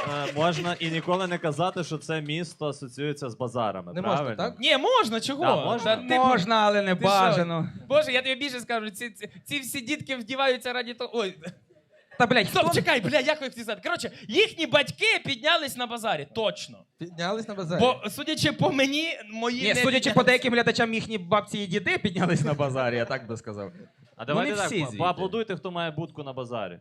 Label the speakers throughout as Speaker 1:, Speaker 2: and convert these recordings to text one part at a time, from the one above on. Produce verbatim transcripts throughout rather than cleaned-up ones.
Speaker 1: е, можна і ніколи не казати, що це місто асоціюється з базарами.
Speaker 2: Не
Speaker 1: правильно?
Speaker 2: можна, так?
Speaker 3: Ні, можна, чого?
Speaker 1: Да, можна.
Speaker 3: Та, типу,
Speaker 4: Можна, але не
Speaker 3: ти що?
Speaker 4: бажано.
Speaker 3: Боже, я тобі більше скажу, ці, ці, ці всі дітки вдіваються раді того. Ой,
Speaker 4: Та, блядь,
Speaker 3: стоп,
Speaker 4: хто...
Speaker 3: чекай, бля, як ви хотів сказати? Коротше, їхні батьки піднялись на базарі, точно.
Speaker 2: Піднялись на базарі.
Speaker 3: Бо, судячи по мені, мої
Speaker 4: Ні,
Speaker 3: не
Speaker 4: судячи по
Speaker 3: піднялись.
Speaker 4: деяким глядачам, їхні бабці і діди піднялись на базарі, я так би сказав.
Speaker 1: А давайте
Speaker 4: Ну, не
Speaker 1: так,
Speaker 4: всі
Speaker 1: по-
Speaker 4: звідти.
Speaker 1: поаплодуйте, хто має будку на базарі.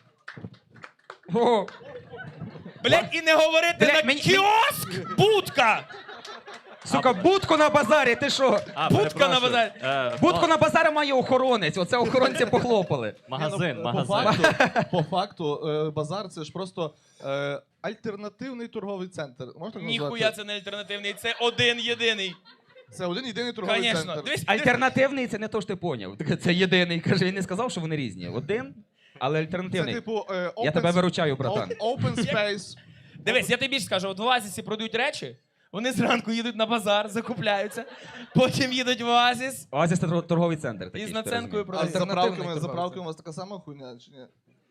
Speaker 4: О,
Speaker 3: Блядь, і не говорити
Speaker 4: Блядь,
Speaker 3: на
Speaker 4: мені-
Speaker 3: кіоск, будка!
Speaker 4: сука, будку на базарі, ти що?
Speaker 1: А,
Speaker 3: Будка
Speaker 1: перепрошую.
Speaker 3: на базарі.
Speaker 1: Е,
Speaker 4: Будку
Speaker 1: ма-
Speaker 4: на базарі має охоронець, оце охоронці похлопали.
Speaker 1: Магазин,
Speaker 5: Ні, ну,
Speaker 1: магазин.
Speaker 5: По факту, по факту е, базар це ж просто е, альтернативний торговий центр. Можна так
Speaker 3: Ніхуя
Speaker 5: назвати?
Speaker 3: це не альтернативний, це один єдиний.
Speaker 5: Це один єдиний торговий
Speaker 3: Конечно.
Speaker 5: центр.
Speaker 3: Дивись,
Speaker 4: Альтернативний це не то, що ти поняв. Це єдиний. Каже, він не сказав, що вони різні. Один, але
Speaker 5: Це
Speaker 4: альтернативний.
Speaker 5: типу е, open,
Speaker 4: Я тебе виручаю, братан.
Speaker 5: o- Open space.
Speaker 3: Дивись, я тобі більше скажу, от в Оазісі продають речі, вони зранку їдуть на базар, закупляються, потім їдуть в Оазіс
Speaker 4: Оазіс це тор- торговий центр.
Speaker 3: і
Speaker 4: Такий,
Speaker 3: з
Speaker 4: що ти
Speaker 3: наценкою
Speaker 4: розумієш.
Speaker 5: А з
Speaker 3: продають.
Speaker 5: заправками,
Speaker 2: торговий
Speaker 5: заправками у вас така сама хуйня, чи ні?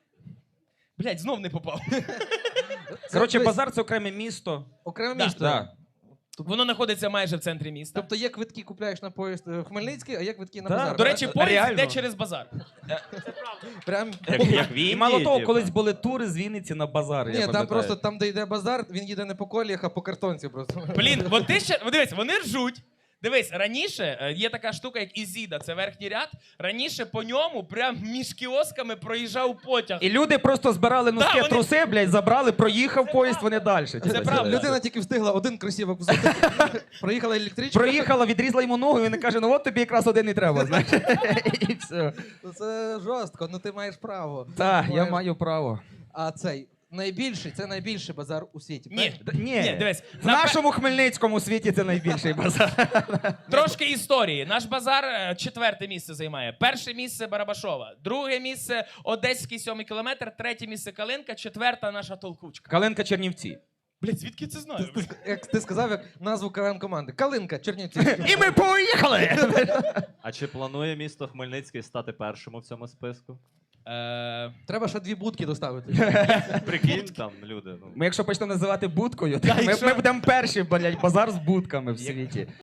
Speaker 3: Блять, знов не попав.
Speaker 4: Коротше,
Speaker 2: Дивись,
Speaker 4: базар це окреме місто.
Speaker 2: Окреме
Speaker 3: Да,
Speaker 2: місто.
Speaker 4: Да.
Speaker 3: Воно знаходиться майже в центрі міста.
Speaker 2: Тобто є квитки купляєш на поїзд е, в Хмельницький, а є квитки на
Speaker 4: Да.
Speaker 2: базар.
Speaker 3: До речі, поїзд
Speaker 4: реально.
Speaker 3: йде через базар.
Speaker 2: Прям...
Speaker 1: Як, як в Індії,
Speaker 4: І мало того,
Speaker 1: типу.
Speaker 4: колись були тури з Вінниці на базар. я
Speaker 2: Ні, там
Speaker 4: пам'ятаю.
Speaker 2: просто там, де йде базар, він їде не по коліях, а по картонці просто.
Speaker 3: Блін, от ти ще. от Дивись, вони ржуть. Дивись, раніше е, є така штука, як Ізіда, це верхній ряд. Раніше по ньому прям між кіосками проїжджав потяг.
Speaker 4: І люди просто збирали носки,
Speaker 3: Да, вони-
Speaker 4: труси, блядь, забрали, проїхав поїзд, вони далі.
Speaker 3: Це правда.
Speaker 2: Людина тільки встигла один кросівок взути. Проїхала електричка.
Speaker 4: Проїхала, відрізала йому ногу, і він каже, ну от тобі якраз один і треба, знаєш. І все.
Speaker 2: Ну, це жорстко, ну ти маєш право.
Speaker 4: Так, я
Speaker 2: Маєш-
Speaker 4: маю право.
Speaker 2: А цей найбільший, це найбільший базар у світі.
Speaker 3: Ні,
Speaker 4: Д- Ні,
Speaker 3: ні, дивись.
Speaker 4: в
Speaker 3: на пе-
Speaker 4: нашому Хмельницькому світі це найбільший базар.
Speaker 3: Трошки історії. Наш базар е, четверте місце займає. Перше місце Барабашова, друге місце Одеський сьомий кілометр, третє місце Калинка, четверта наша Толкучка.
Speaker 4: Калинка Чернівці.
Speaker 3: Блять, звідки я це знаю?
Speaker 2: Ти ск- Як ти сказав, як назву КВН команди. Калинка, Чернівці.
Speaker 4: І ми поїхали!
Speaker 1: А чи планує місто Хмельницький стати першим у цьому списку?
Speaker 3: Е,
Speaker 2: Треба ще дві будки доставити.
Speaker 1: Прикинь, там люди. Ну.
Speaker 4: Ми якщо почнемо називати будкою, то
Speaker 3: Да,
Speaker 4: ми,
Speaker 3: якщо-
Speaker 4: ми будемо перші, блядь, базар з будками в світі.